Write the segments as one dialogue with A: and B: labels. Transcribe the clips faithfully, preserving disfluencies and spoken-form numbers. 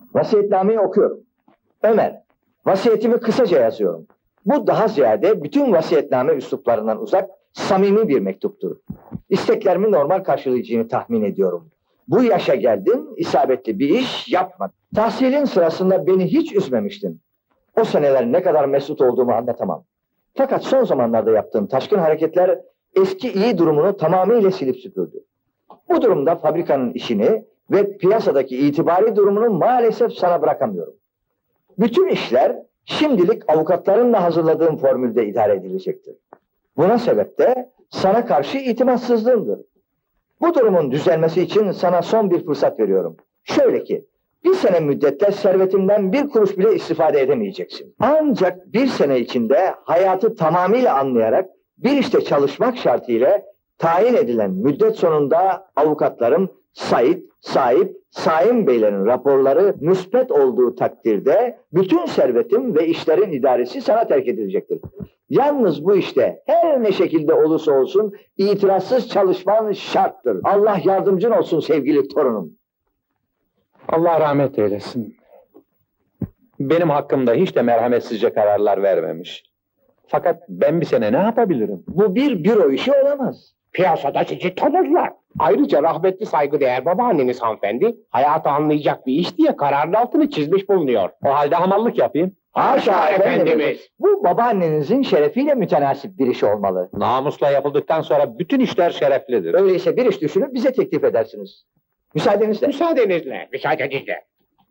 A: Vasiyetnameyi okuyorum. Ömer, vasiyetimi kısaca yazıyorum. Bu daha ziyade bütün vasiyetname üsluplarından uzak, samimi bir mektuptur. İsteklerimi normal karşılayacağını tahmin ediyorum. Bu yaşa geldin, isabetli bir iş yapmadın. Tahsilin sırasında beni hiç üzmemiştin. O seneler ne kadar mesut olduğumu anlatamam. Fakat son zamanlarda yaptığın taşkın hareketler eski iyi durumunu tamamıyla silip süpürdü. Bu durumda fabrikanın işini ve piyasadaki itibari durumunu maalesef sana bırakamıyorum. Bütün işler şimdilik avukatlarınla hazırladığım formülde idare edilecektir. Buna sebep de sana karşı itimatsızlığımdır. Bu durumun düzelmesi için sana son bir fırsat veriyorum. Şöyle ki, bir sene müddetle servetimden bir kuruş bile istifade edemeyeceksin. Ancak bir sene içinde hayatı tamamıyla anlayarak bir işte çalışmak şartıyla tayin edilen müddet sonunda avukatlarım Sait, Sahip, Saim Beylerin raporları müspet olduğu takdirde bütün servetim ve işlerin idaresi sana terk edilecektir. Yalnız bu işte her ne şekilde olursa olsun itirazsız çalışman şarttır. Allah yardımcın olsun sevgili torunum.
B: Allah rahmet eylesin. Benim hakkımda hiç de merhametsizce kararlar vermemiş. Fakat ben bir sene ne yapabilirim?
A: Bu bir büro işi olamaz.
C: Piyasada sizi tanırlar. Ayrıca rahmetli saygıdeğer babaanneniz hanımefendi, hayatı anlayacak bir iş diye kararın altını çizmiş bulunuyor.
B: O halde hamallık yapayım.
A: Haşa efendimiz.
C: Efendimiz.
A: Bu babaannenizin şerefiyle mütenasip bir iş olmalı.
B: Namusla yapıldıktan sonra bütün işler şereflidir.
A: Öyleyse bir iş düşünüp bize teklif edersiniz. Müsaadenizle.
C: Müsaadenizle, müsaadenizle.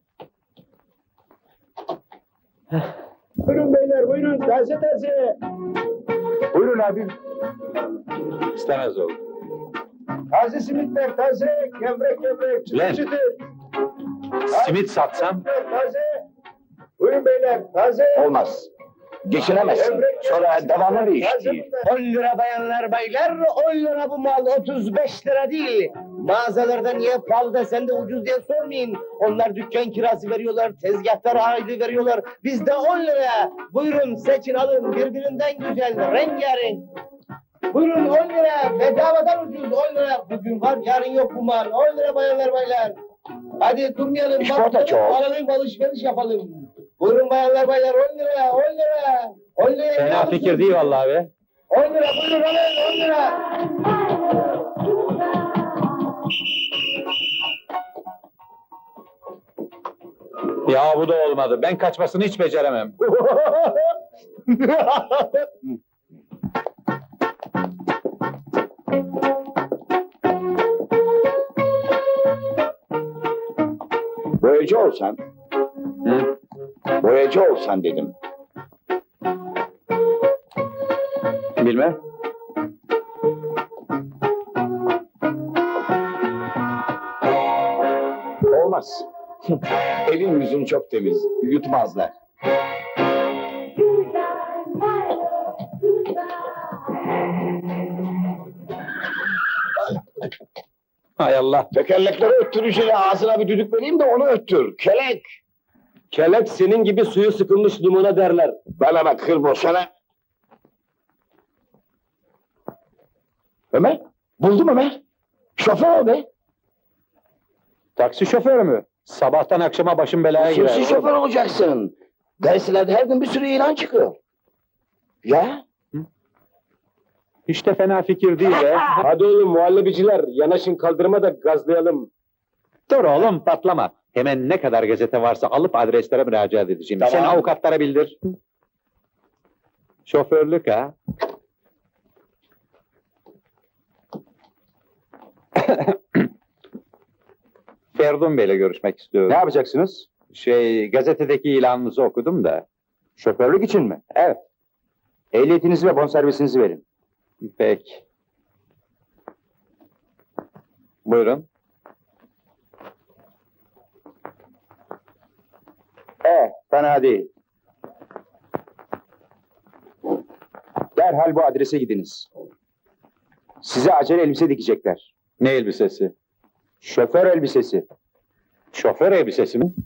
D: Buyurun beyler, buyurun. Taze taze. Buyurun abim.
B: İstemez oldu.
D: Taze simitler, taze. Gevrek gevrek,
B: Ulan.
D: çıtır çıtır.
B: Simit satsam?
D: Taze. Buyurun beyler, taze.
A: Olmaz. Geçinemezsin. Sonra devamlı bir iş değil.
E: on lira bayanlar baylar, on lira bu mal, otuz beş lira değil. Mağazalarda niye pahalı da sen de ucuz diye sormayın. Onlar dükkan kirası veriyorlar, tezgahlara aylığı veriyorlar. Bizde on lira. Buyurun seçin alın, birbirinden güzel, rengarenk. Buyurun on lira, bedavadan ucuz on lira. Bugün var, yarın yok bu mal. on lira bayanlar baylar. Hadi durmayalım,
A: İşporta çok.
E: alalım, alışveriş yapalım. Buyurun bayanlar baylar, on lira, on lira. on lira.
B: Fena fikir değil vallahi be.
E: on lira, buyurun alın, on lira.
B: Ya bu da olmadı. Ben kaçmasını hiç beceremem.
D: Boyacı olsan.
B: Hı?
D: Boyacı olsan dedim.
B: Bilmem.
D: Olmaz. Elin yüzün çok temiz. Yutmazlar.
B: Hay Allah.
D: Tekerlekleri öttüreceğine ağzına bir düdük vereyim de onu öttür. Kelek.
B: Kelek senin gibi suyu sıkılmış limona derler.
D: Bana bak kır boşana. Ömer. Buldum Ömer. Şoför o be.
B: Taksi şoförü mü? Sabahtan akşama başım belaya girer.
D: Kimsin şoför olacaksın? Gazetelerde her gün bir sürü ilan çıkıyor. Ya?
B: Hiç de fena fikir değil be.
C: Hadi oğlum muhallebiciler, yanaşın kaldırıma da gazlayalım.
B: Dur oğlum patlama. Hemen ne kadar gazete varsa alıp adreslere müracaat edeceğim.
D: Tamam.
B: Sen avukatlara bildir. Şoförlük ha? Ferdun Bey'le görüşmek istiyorum.
D: Ne yapacaksınız?
B: Şey, gazetedeki ilanınızı okudum da.
D: Şoförlük için mi?
B: Evet.
D: Ehliyetinizi ve bonservisinizi verin.
B: Peki. Buyurun.
D: Eh, fena değil. Derhal bu adrese gidiniz. Size acele elbise dikecekler.
B: Ne elbisesi?
D: Şoför elbisesi.
B: Şoför elbisesi mi?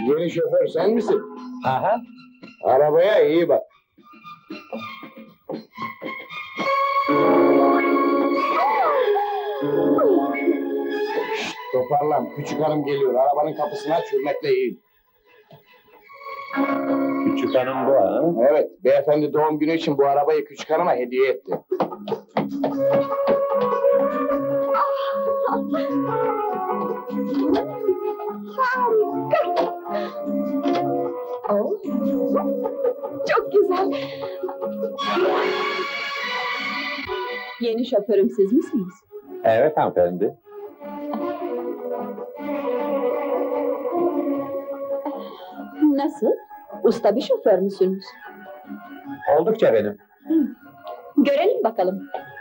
C: Yeni şoför sen misin?
B: Aha.
C: Arabaya iyi bak. Şşt, toparlan. Küçük hanım geliyor. Arabanın kapısını aç, hürmetle eğil.
B: Küçük hanım bu ha.
C: Evet, beyefendi doğum günü için bu arabayı küçük hanıma hediye etti.
F: Oh. Çok güzel. Yeni şoförüm siz misiniz?
B: Evet hanımefendi.
F: Nasıl? Usta bir şoför müsünüz?
B: Oldukça benim.
F: Görelim bakalım.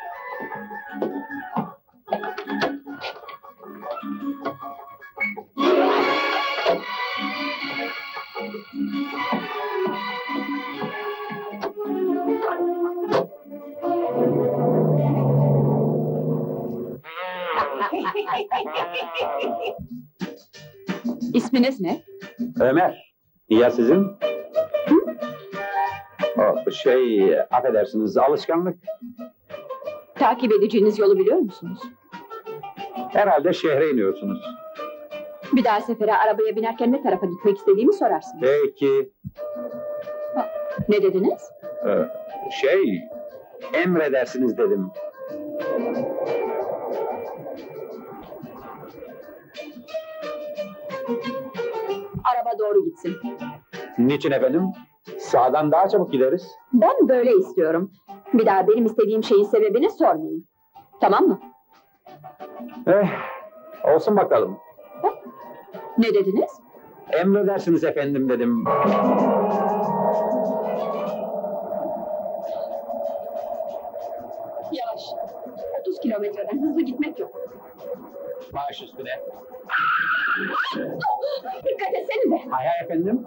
F: İsminiz ne?
B: Ömer. Ya sizin? Oh, şey, affedersiniz, alışkanlık.
F: Takip edeceğiniz yolu biliyor musunuz?
B: Herhalde şehre iniyorsunuz.
F: Bir daha sefere arabaya binerken ne tarafa gitmek istediğimi sorarsınız.
B: Peki,
F: Ne dediniz?
B: e, şey, emredersiniz dedim.
F: Araba doğru gitsin.
B: Niçin efendim? Sağdan daha çabuk gideriz.
F: Ben böyle istiyorum. Bir daha benim istediğim şeyin sebebini sormayın. Tamam mı?
B: Eh, olsun bakalım.
F: Ne dediniz?
B: Emredersiniz efendim dedim.
F: Yavaş. otuz kilometreden hızlı gitmek yok.
B: Baş üstüne.
F: Dikkat etsenize.
B: Hay hay efendim.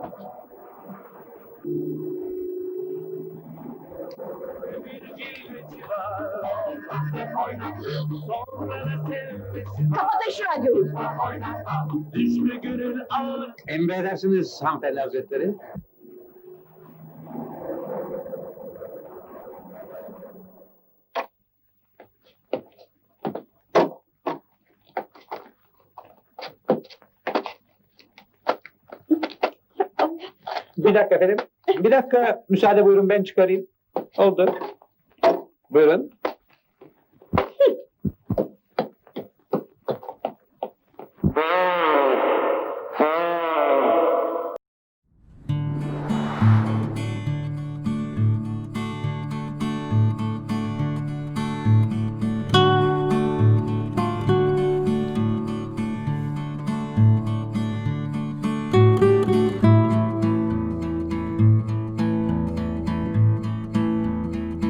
F: Kapatın şu radyoyu.
B: Emredersiniz hanımefendi hazretleri. Bir dakika efendim. Bir dakika müsaade buyurun ben çıkarayım. Oldu. Buyurun.